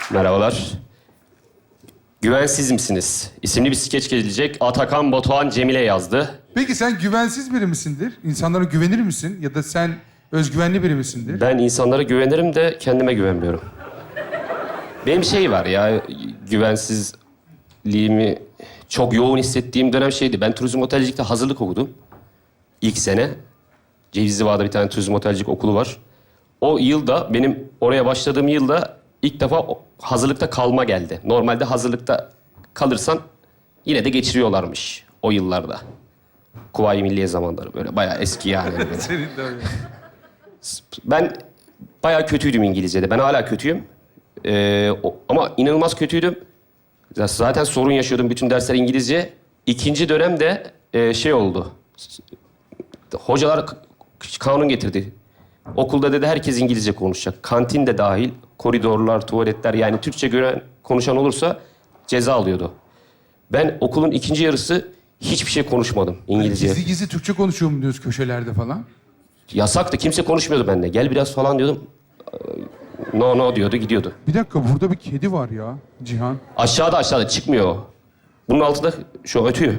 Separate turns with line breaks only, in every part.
Merhabalar. Güvensiz misiniz? İsimli bir skeç gelecek. Atakan Batuhan Cemile yazdı.
Peki sen güvensiz biri misindir? İnsanlara güvenir misin? Ya da sen özgüvenli biri misindir?
Ben insanlara güvenirim de kendime güvenmiyorum. Benim şey var ya, güvensizliğimi çok yoğun hissettiğim dönem şeydi. Ben turizm otelcilikte hazırlık okudum. İlk sene. Cevizli Bağ'da bir tane turizm otelcilik okulu var. O yılda, benim oraya başladığım yılda ilk defa hazırlıkta kalma geldi. Normalde hazırlıkta kalırsan yine de geçiriyorlarmış o yıllarda. Kuvayi Milliye zamanları böyle bayağı eski yani. Böyle.
Senin de öyle.
Ben bayağı kötüydüm İngilizce'de. Ben hala kötüyüm. Ama inanılmaz kötüydüm. Zaten sorun yaşıyordum bütün dersler İngilizce. İkinci dönemde şey oldu. Hocalar kanun getirdi. Okulda dedi herkes İngilizce konuşacak. Kantin de dahil, koridorlar, tuvaletler yani Türkçe gören konuşan olursa ceza alıyordu. Ben okulun ikinci yarısı hiçbir şey konuşmadım İngilizce.
Gizli gizli Türkçe konuşuyor mu diyoruz köşelerde falan?
Yasaktı, kimse konuşmuyordu benimle. Gel biraz falan diyordum. No no diyordu, gidiyordu.
Bir dakika burada bir kedi var ya Cihan.
Aşağıda çıkmıyor o. Bunun altında şu ötüyor.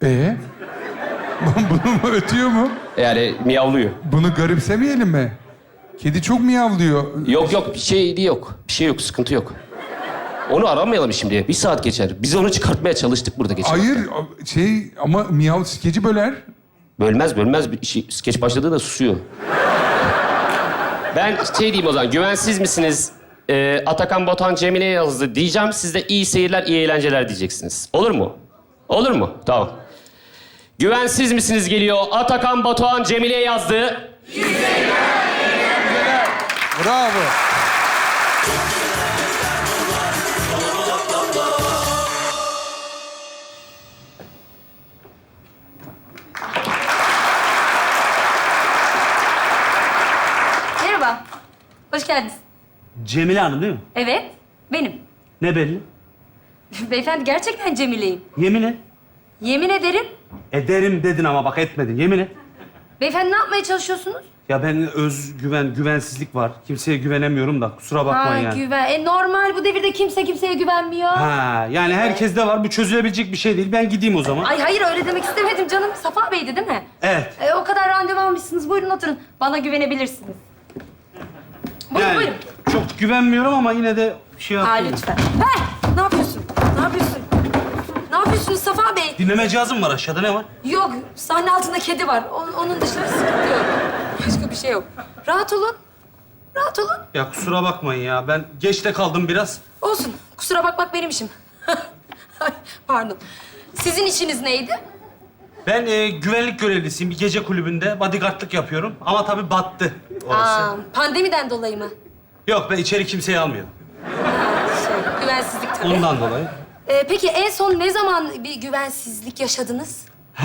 Bunu mu ötüyor mu?
Yani miyavlıyor.
Bunu garipsemeyelim mi? Kedi çok miyavlıyor.
Yok bir şey yok. Bir şey yok, sıkıntı yok. Onu aramayalım şimdi. Bir saat geçer. Biz onu çıkartmaya çalıştık burada geçen
Hayır
hafta.
ama miyav skeci böler.
Bölmez. Bir şey, skeç başladığı da susuyor. Ben şey diyeyim o zaman. Güvensiz misiniz? Atakan Batuhan Cemile yazdı diyeceğim. Siz de iyi seyirler, iyi eğlenceler diyeceksiniz. Olur mu? Olur mu? Tamam. Güvensiz misiniz geliyor. Atakan Batuhan Cemile yazdı.
Bravo.
Merhaba. Hoş geldiniz.
Cemile Hanım değil mi?
Evet, benim.
Ne belli?
Beyefendi gerçekten Cemile'yim.
Yemin et.
Yemin ederim.
Ederim dedin ama bak etmedin. Yemin et.
Beyefendi ne yapmaya çalışıyorsunuz?
Ya ben güvensizlik var. Kimseye güvenemiyorum da kusura bakmayın yani.
Güven. Normal bu devirde kimse kimseye güvenmiyor.
Ha, yani herkeste var. Bu çözülebilecek bir şey değil. Ben gideyim o zaman.
Ay hayır öyle demek istemedim canım. Safa Bey'di değil mi?
Evet.
O kadar randevu almışsınız. Buyurun oturun. Bana güvenebilirsiniz. Buyurun
Yani
buyurun.
çok güvenmiyorum ama yine de şey yapayım.
Lütfen. Ne yapıyorsun? Ne yapıyorsun? Ne yapıyorsunuz Safa Bey?
Dinleme cihazım var aşağıda. Ne var?
Yok, sahne altında kedi var. Onun dışında sıkıntı yok. Başka bir şey yok. Rahat olun. Rahat olun.
Ya kusura bakmayın ya. Ben geç de kaldım biraz.
Olsun. Kusura bakmak benim işim. Ay, pardon. Sizin işiniz neydi?
Ben güvenlik görevlisiyim. Bir gece kulübünde bodyguardlık yapıyorum. Ama tabii battı orası.
Pandemiden dolayı mı?
Yok ben içeri kimseyi almıyorum.
Güvensizlik tabii.
Ondan dolayı.
Peki en son ne zaman bir güvensizlik yaşadınız?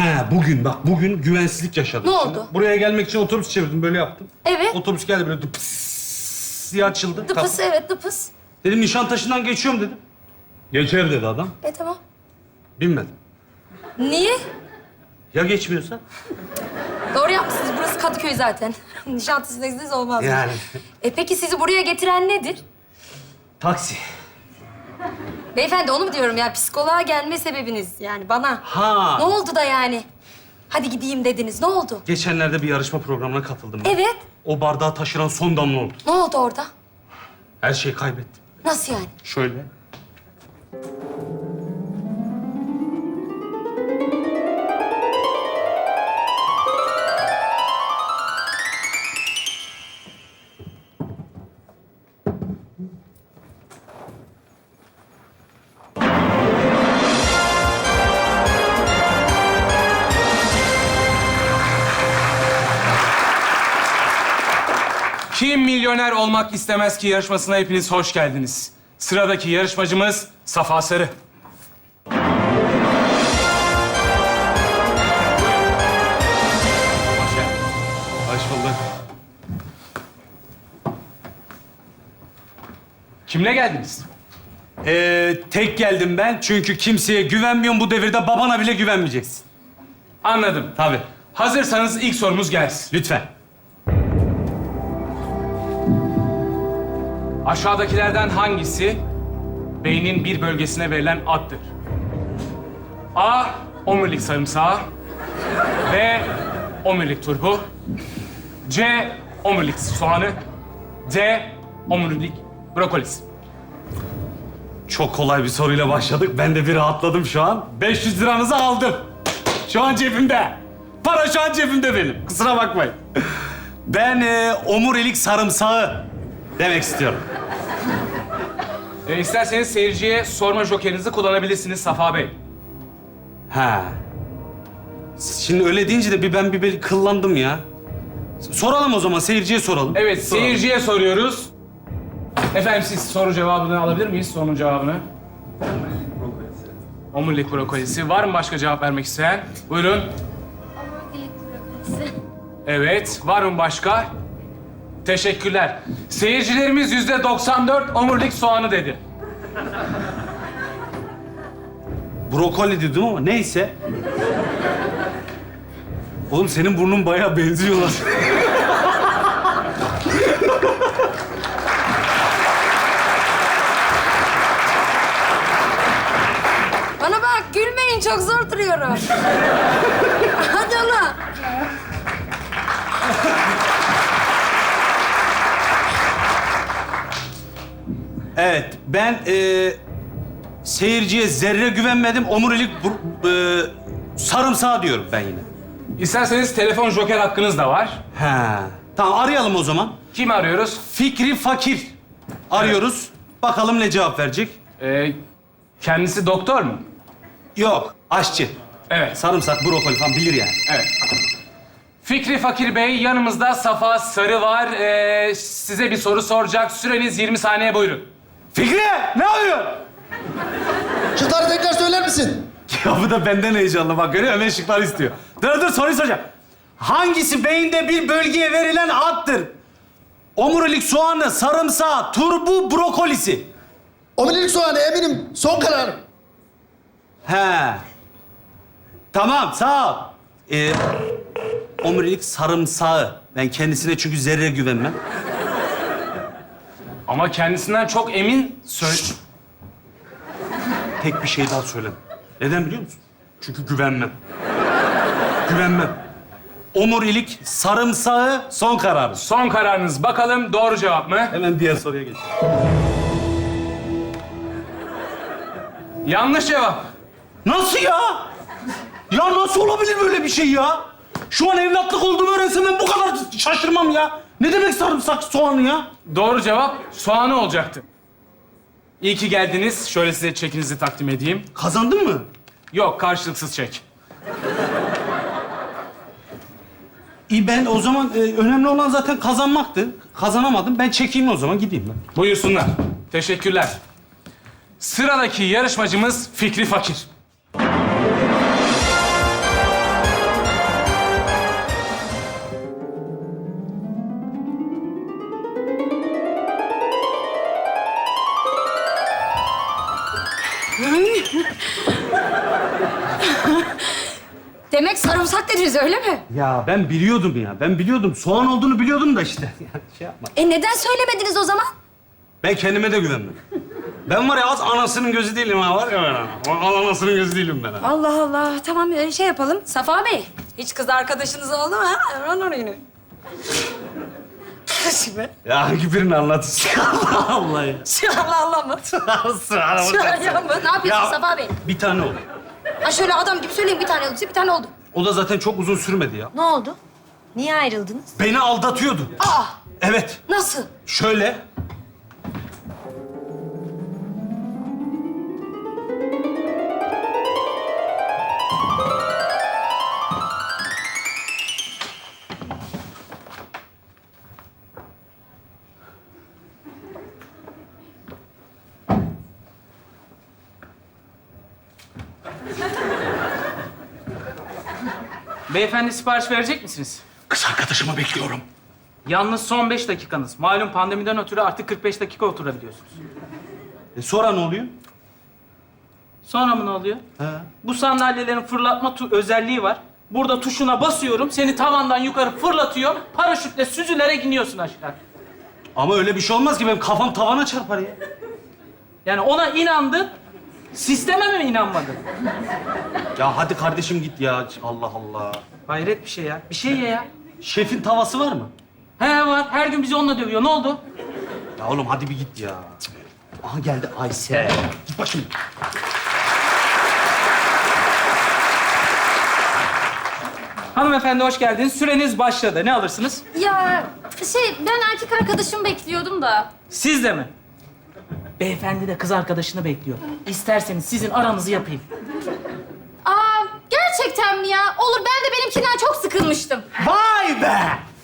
Bugün güvensizlik yaşadım.
Ne
Şimdi
oldu?
buraya gelmek için otobüs çevirdim, böyle yaptım.
Evet.
Otobüs geldi böyle dıpıs diye açıldı.
Dıpıs, evet dıpıs.
Dedim Nişantaşı'ndan geçiyorum dedim. Geçer dedi adam.
Tamam.
Binmedim.
Niye?
Ya geçmiyorsa?
Doğru yapmışsınız. Burası Kadıköy zaten. Nişantaşı'nda izniniz olmaz.
Yani.
Peki sizi buraya getiren nedir?
Taksi.
Beyefendi onu mu diyorum ya? Psikoloğa gelme sebebiniz yani bana.
Ha.
Ne oldu da yani? Hadi gideyim dediniz. Ne oldu?
Geçenlerde bir yarışma programına katıldım ben.
Evet.
O bardağı taşıran son damla oldu.
Ne oldu orada?
Her şeyi kaybettim.
Nasıl yani?
Şöyle.
Kim milyoner olmak istemez ki yarışmasına hepiniz hoş geldiniz. Sıradaki yarışmacımız Safa Sarı. Hoş geldin.
Hoş bulduk.
Kimle geldiniz?
Tek geldim ben çünkü kimseye güvenmiyorum. Bu devirde babana bile güvenmeyeceksin.
Anladım.
Tabii.
Hazırsanız ilk sorumuz gelsin.
Lütfen.
Aşağıdakilerden hangisi beynin bir bölgesine verilen addır? A. Omurilik sarımsağı. B. Omurilik turpu. C. Omurilik soğanı. D. Omurilik brokolisi.
Çok kolay bir soruyla başladık. Ben de bir rahatladım şu an. 500 liranızı aldım. Şu an cebimde. Para şu an cebimde benim. Kusura bakmayın. Ben omurilik sarımsağı demek istiyorum.
İsterseniz seyirciye sorma jokerinizi kullanabilirsiniz Safa Bey.
Ha. Şimdi öyle deyince de ben bir kıllandım ya. Soralım o zaman, seyirciye soralım.
Evet,
Soralım.
seyirciye soruyoruz. Efendim siz soru cevabını alabilir miyiz? Sorunun cevabını. Omurilik brokolisi. Var mı başka cevap vermek isteyen? Buyurun.
Omurilik brokolisi.
Evet. Var mı başka? Teşekkürler. Seyircilerimiz %94 omurilik soğanı dedi.
Brokoli dedim ama neyse. Oğlum senin burnun bayağı benziyorlar.
Bana bak gülmeyin çok zor duruyorum. Hadi oğlum.
Evet, ben seyirciye zerre güvenmedim. Omurilik sarımsağı diyorum ben yine.
İsterseniz telefon joker hakkınız da var.
He. Tamam, arayalım o zaman.
Kimi arıyoruz?
Fikri Fakir arıyoruz. Bakalım ne cevap verecek.
Kendisi doktor mu?
Yok, aşçı.
Evet.
Sarımsak, brokoli falan bilir yani.
Evet. Fikri Fakir Bey, yanımızda Safa Sarı var. Size bir soru soracak. Süreniz 20 saniye, buyurun.
Fikri, ne yapıyorsun?
Şıkları tekrar söyler misin?
Ya bu da benden heyecanlı. Bak görüyor musun? Hemen şıkları istiyor. Dur soruyu soracağım. Hangisi beyinde bir bölgeye verilen addır? Omurilik soğanı, sarımsağı, turbu, brokolisi.
Omurilik soğanı eminim. Son kararım.
He. Tamam, sağ ol. Omurilik sarımsağı. Ben kendisine çünkü zerre güvenmem.
Ama kendisinden çok emin söyle...
Tek bir şey daha söyleme. Neden biliyor musun? Çünkü güvenmem. Güvenmem. Omurilik sarımsağı son kararı.
Son kararınız. Bakalım doğru cevap mı?
Hemen diğer soruya geçelim.
Yanlış cevap.
Nasıl ya? Ya nasıl olabilir böyle bir şey ya? Şu an evlatlık olduğumu öğrensem ben bu kadar şaşırmam ya. Ne demek sarımsak soğanı ya?
Doğru cevap soğanı olacaktı. İyi ki geldiniz. Şöyle size çekinizi takdim edeyim.
Kazandın mı?
Yok, karşılıksız çek.
İyi ben o zaman önemli olan zaten kazanmaktı. Kazanamadım. Ben çekeyim o zaman gideyim ben.
Buyursunlar. Teşekkürler. Sıradaki yarışmacımız Fikri Fakir.
Demek sarımsak dediniz öyle mi?
Ya ben biliyordum ya. Ben biliyordum. Soğan olduğunu biliyordum da işte. Şey yapma.
Neden söylemediniz o zaman?
Ben kendime de güvenmem. Ben var ya az anasının gözü değilim ha var ya ben. Anasının gözü değilim ben ha.
Allah Allah. Tamam şey yapalım. Safa Bey, hiç kız arkadaşınız oldu mu ha? Hemen orayını. Şimdi.
Ya hangi birini anlatıyorsun? Allah Allah ya.
Allah Allah mı? Şu an mı? Ne yapıyorsun
Ya,
Safa Bey?
bir tane oldu.
Ha şöyle adam gibi söyleyeyim bir tane oldu. Bir tane oldu.
O da zaten çok uzun sürmedi ya.
Ne oldu? Niye ayrıldınız?
Beni aldatıyordu.
Aa!
Evet.
Nasıl?
Şöyle.
Beyefendi sipariş verecek misiniz?
Kız arkadaşımı bekliyorum.
Yalnız son 5 dakikanız. Malum pandemiden ötürü artık 45 dakika oturabiliyorsunuz.
Sonra ne oluyor?
Sonra mı ne oluyor? Bu sandalyelerin fırlatma özelliği var. Burada tuşuna basıyorum, seni tavandan yukarı fırlatıyor. Paraşütle süzülerek iniyorsun aşağı.
Ama öyle bir şey olmaz ki benim kafam tavana çarpar ya.
Yani ona inandın, sisteme mi inanmadın?
Ya hadi kardeşim git ya. Allah Allah.
Hayret bir şey ya. Bir şey ye ya.
Şefin tavası var mı?
He var. Her gün bizi onunla dövüyor. Ne oldu?
Ya oğlum hadi bir git ya. Aha geldi Aysel. Git başım.
Hanımefendi hoş geldiniz. Süreniz başladı. Ne alırsınız?
Ya ben erkek arkadaşımı bekliyordum da.
Siz de mi? Beyefendi de kız arkadaşını bekliyor. İsterseniz sizin aranızı yapayım.
Aa, gerçekten mi ya? Olur, ben de benimkinden çok sıkılmıştım.
Vay be!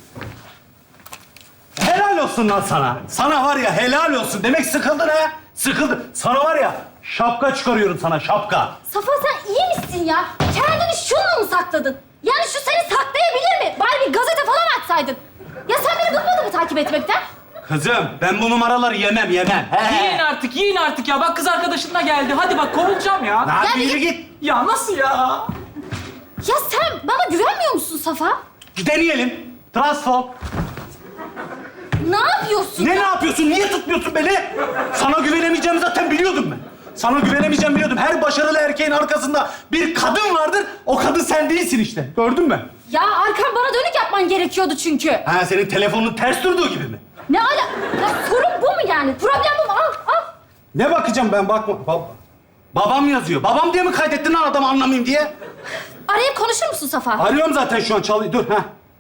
Helal olsun lan sana. Sana var ya helal olsun. Demek sıkıldın ha? Sıkıldın. Sana var ya şapka çıkarıyorum sana şapka.
Safa sen iyi misin ya? Kendini şunla mı sakladın? Yani şu seni saklayabilir mi? Bari bir gazete falan açsaydın. Ya sen beni bıkmadın mı takip etmekten?
Kızım ben bu numaraları yemem.
Yiyin artık ya. Bak kız arkadaşın da geldi. Hadi bak kovulacağım ya.
Lan
Yani-
yürü git.
Ya nasıl ya?
Ya sen bana güvenmiyor musun Safa?
Deneyelim. Transform.
Ne yapıyorsun?
Ne yapıyorsun? Niye tutmuyorsun beni? Sana güvenemeyeceğimi zaten biliyordum ben. Sana güvenemeyeceğimi biliyordum. Her başarılı erkeğin arkasında bir kadın vardır. O kadın sen değilsin işte. Gördün mü?
Ya arkan bana dönük yapman gerekiyordu çünkü.
Ha senin telefonun ters durduğu gibi mi?
Ne ala... Ya sorun bu mu yani? Problem bu mu? Al.
Ne bakacağım ben bakma. Babam yazıyor. Babam diye mi kaydettin lan adamı anlamayayım diye?
Arayıp konuşur musun Safa?
Arıyorum zaten şu an çalıyor. Dur ha.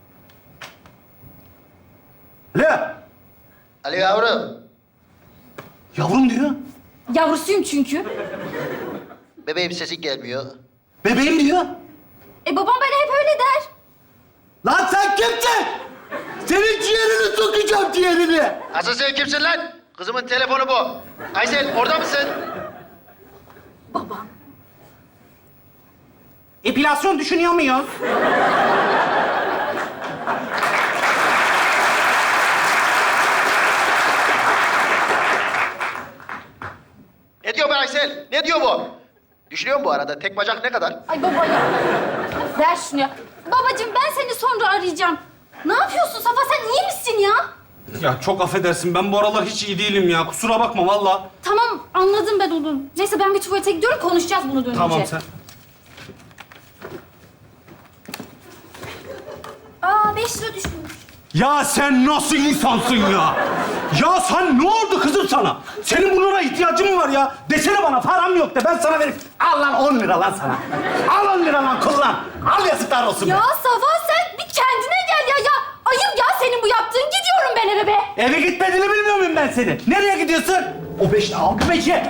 Alo.
Ali yavrum.
Yavrum diyor.
Yavrusuyum çünkü.
Bebeğim sesin gelmiyor.
Bebeğim diyor.
Babam bana hep öyle der.
Lan sen kimsin? Senin ciğerini sokacağım ciğerini.
Asıl sen kimsin lan? Kızımın telefonu bu. Aysel orada mısın?
Babam.
Epilasyon düşünüyor muyuz?
Ne diyor bu Aysel? Ne diyor bu? Düşünüyorum bu arada. Tek bacak ne kadar?
Ay baba ya. Ver şunu ya. Babacığım ben seni sonra arayacağım. Ne yapıyorsun Safa? Sen iyi misin ya?
Ya çok affedersin. Ben bu aralar hiç iyi değilim ya. Kusura bakma vallahi.
Tamam anladım ben onu. Neyse ben bir tuvalete gidiyorum konuşacağız bunu dönünce.
Tamam sen.
Aa 5 lira düşmüş.
Ya sen nasıl insansın ya? Ya sen ne oldu kızım sana? Senin bunlara ihtiyacın mı var ya? Desene bana param yok de ben sana vereyim. Al lan 10 lira lan sana. Al 10 lira lan kullan. Al yazıklar olsun
Ya
be.
Safa sen bir kendine gel ya. Ya ayıp ya senin bu yaptığın. Gidiyorum ben eve be.
Eve gitmediğini bilmiyor muyum ben seni? Nereye gidiyorsun? O 5 al bu 5'i.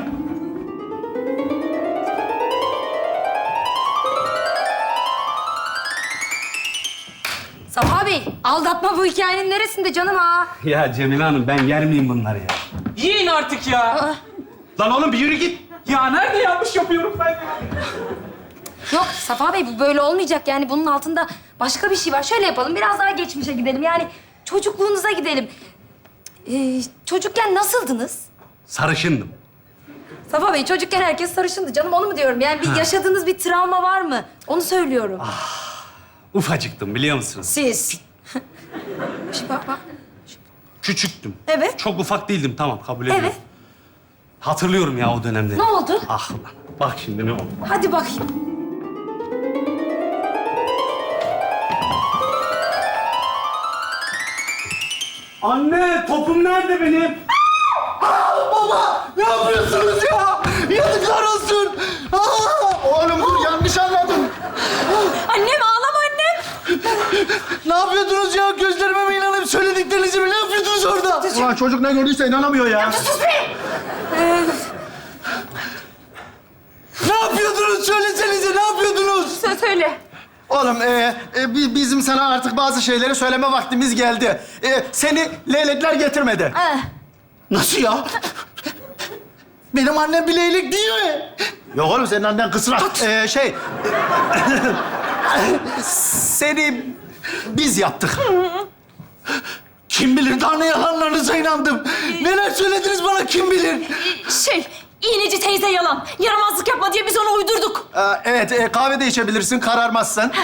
Safa Bey, aldatma bu hikayenin neresinde canım ha?
Ya Cemile Hanım ben yer miyim bunları ya?
Yiyin artık ya.
Lan oğlum bir yürü git.
Ya nerede yanlış yapıyorum ben ya?
Yok Safa Bey bu böyle olmayacak yani bunun altında başka bir şey var. Şöyle yapalım biraz daha geçmişe gidelim yani çocukluğunuza gidelim. Çocukken nasıldınız?
Sarışındım.
Safa Bey çocukken herkes sarışındı canım onu mu diyorum? Yani bir yaşadığınız bir travma var mı? Onu söylüyorum.
Ufacıktım biliyor musunuz?
Siz. Bak.
Küçüktüm.
Evet.
Çok ufak değildim tamam kabul ediyorum.
Evet.
Hatırlıyorum ya o dönemleri.
Ne oldu?
Ah lan. Bak şimdi ne oldu?
Hadi bakayım.
Anne topum nerede benim?
Baba! Ne yapıyorsunuz ya? Yazıklar olsun. Oğlum dur yanlış anladım.
Annem ağlama annem.
Ne yapıyordunuz ya? Gözlerime mi inanıp söylediklerinizi mi? Ne yapıyordunuz orada? Ulan çocuk ne gördüyse inanamıyor ya. Ne yapıyordunuz? Söylesenize ne yapıyordunuz?
Söyle.
Oğlum bizim sana artık bazı şeyleri söyleme vaktimiz geldi. Seni leylekler getirmedi. Nasıl ya? Benim annem bir leylek değil mi? Yok oğlum senin annen kısrak. Seni biz yaptık. Kim bilir daha ne yalanlarınıza inandım. Neler söylediniz bana kim bilir?
İğneci teyze yalan. Yaramazlık yapma diye biz onu uydurduk.
Evet kahve de içebilirsin kararmazsan.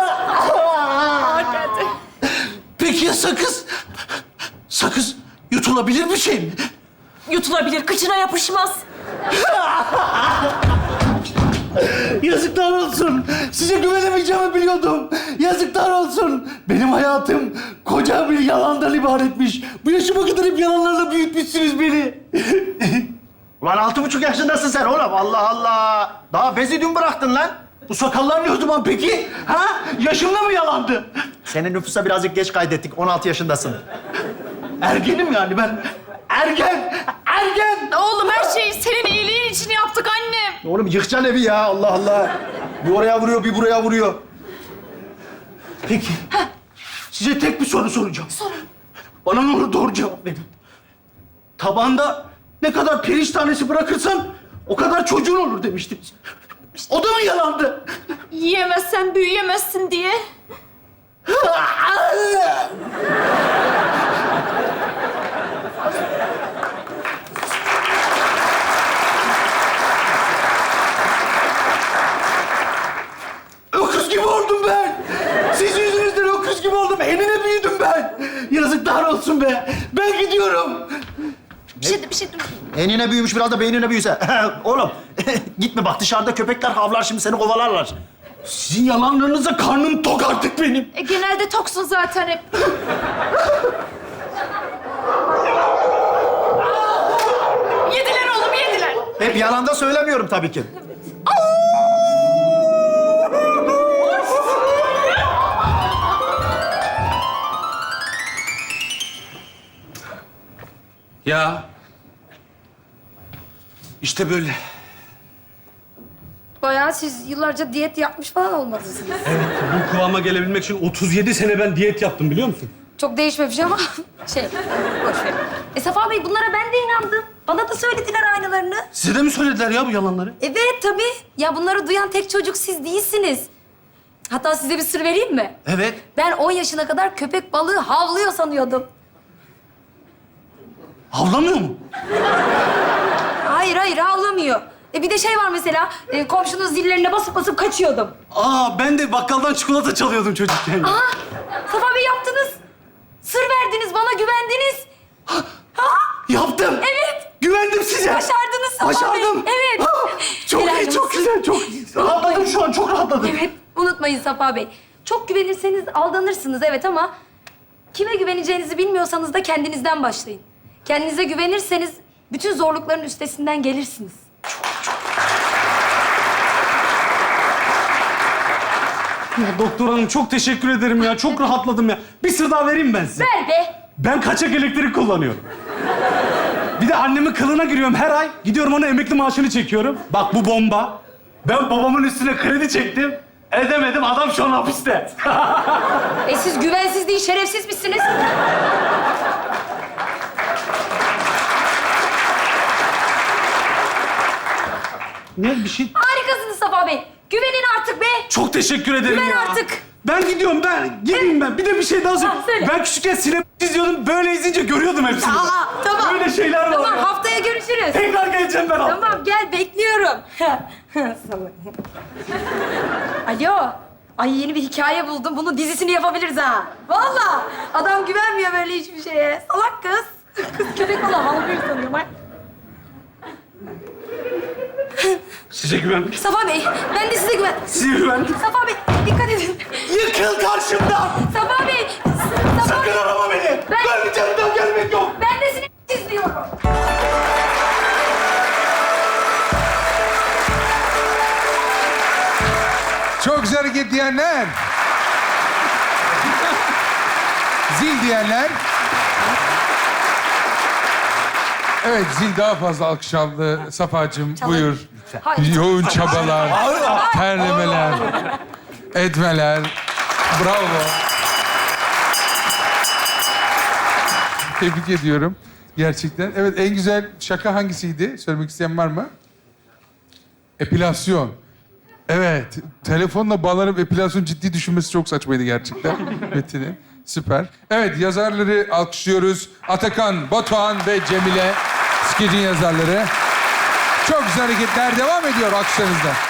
Peki ya sakız? Sakız yutulabilir bir şey mi?
Yutulabilir, kıçına yapışmaz.
Yazıklar olsun. Size güvenemeyeceğimi biliyordum. Yazıklar olsun. Benim hayatım koca bir yalandan ibaretmiş. Bu yaşıma kadar hep yalanlarla büyütmüşsünüz beni. Ulan 6,5 yaşındasın sen oğlum. Allah Allah. Daha bezi dün bıraktın lan. Bu sakallar ne o zaman peki? Ha? Yaşımda mı yalandı? Senin nüfusa birazcık geç kaydettik. 16 yaşındasın. Ergenim yani ben. Ergen!
Oğlum her şeyi senin iyiliğin için yaptık annem.
Oğlum yıkacaksın evi ya. Allah Allah. Bir oraya vuruyor, bir buraya vuruyor. Peki. Size tek bir soru soracağım.
Sorun.
Bana ne olur doğru cevap verin. Tabanda ne kadar pirinç tanesi bırakırsan o kadar çocuğun olur demiştiniz. O da mı yalandı?
Yiyemezsen büyüyemezsin diye.
Öküz gibi oldum ben. Siz yüzünüzden öküz gibi oldum. Enine büyüdüm ben. Yazıklar olsun be. Ben gidiyorum.
Bir şey dur.
Enine büyümüş, biraz da beynine büyüse. Oğlum, gitme bak dışarıda köpekler havlar, şimdi seni kovalarlar. Sizin yalanlarınıza karnım tok artık benim.
Genelde toksun zaten hep. Yediler oğlum, yediler.
Hep yalanda söylemiyorum tabii ki.
Ya. İşte böyle.
Bayağı siz yıllarca diyet yapmış falan olmalısınız.
Bu kıvama gelebilmek için 37 sene ben diyet yaptım biliyor musun?
Çok değişmemiş ama boş ver. Safa Bey bunlara ben de inandım. Bana da söylediler aynılarını.
Size de mi söylediler ya bu yalanları?
Evet tabii. Ya bunları duyan tek çocuk siz değilsiniz. Hatta size bir sır vereyim mi?
Evet.
Ben 10 yaşına kadar köpek balığı havlıyor sanıyordum.
Havlamıyor mu?
Hayır havlamıyor. Bir de şey var mesela, komşunun zillerine basıp basıp kaçıyordum.
Aa ben de bakkaldan çikolata çalıyordum çocukken.
Safa Bey yaptınız. Sır verdiniz, bana güvendiniz.
Yaptım.
Evet.
Güvendim size.
Başardınız Safa Bey.
Başardım.
Evet.
Çok
Helal
iyi, çok
olsun.
güzel, çok iyi. Rahatladım şu an, çok rahatladım.
Evet, unutmayın Safa Bey. Çok güvenirseniz aldanırsınız evet ama kime güveneceğinizi bilmiyorsanız da kendinizden başlayın. Kendinize güvenirseniz bütün zorlukların üstesinden gelirsiniz.
Ya doktor hanım çok teşekkür ederim ya. Çok rahatladım ya. Bir sır daha vereyim ben size.
Ver be.
Ben kaçak elektrik kullanıyorum. Bir de annemin kılına giriyorum her ay. Gidiyorum ona emekli maaşını çekiyorum. Bak bu bomba. Ben babamın üstüne kredi çektim. Edemedim. Adam şu an hapiste.
Siz güvensiz değil, şerefsiz misiniz?
Ne bir şey?
Harikasınız Safa Bey. Güvenin artık be.
Çok teşekkür ederim
Güven
ya.
artık.
Ben gidiyorum ben. Gideyim ben. Bir de bir şey daha söyleyeyim.
söyle.
Ben küçükken sinema izliyordum. Böyle izleyince görüyordum hepsini.
Tamam.
Böyle şeyler var.
Tamam,
ya.
haftaya görüşürüz.
Tekrar geleceğim ben haftaya.
Tamam, gel bekliyorum. Alo. Ay yeni bir hikaye buldum. Bunun dizisini yapabiliriz ha. Vallahi. Adam güvenmiyor böyle hiçbir şeye. Salak kız. Kız köpek balığı havlıyor sanıyor. Bak.
Size güvendim.
Safa Bey, ben de size güven...
Size güvendim.
Safa Bey, dikkat edin.
Yıkıl karşımdan.
Safa Bey, Safa Bey.
Sakın arama beni. Ben canımdan gelmek yok.
Ben de seni izliyorum.
Çok güzel hareket diyenler. Zil diyenler. Evet, zil daha fazla alkış aldı. Safacığım, buyur.
Hayır.
Yoğun çabalar, terlemeler, etmeler. Bravo. Tebrik ediyorum. Gerçekten. Evet, en güzel şaka hangisiydi? Söylemek isteyen var mı? Epilasyon. Evet, telefonla bağlanıp epilasyon ciddi düşünmesi çok saçmaydı gerçekten Metin'in. Süper. Evet, yazarları alkışlıyoruz. Atakan, Batuhan ve Cemile. Skecin yazarları. Çok güzel hareketler devam ediyor alkışlarınızla.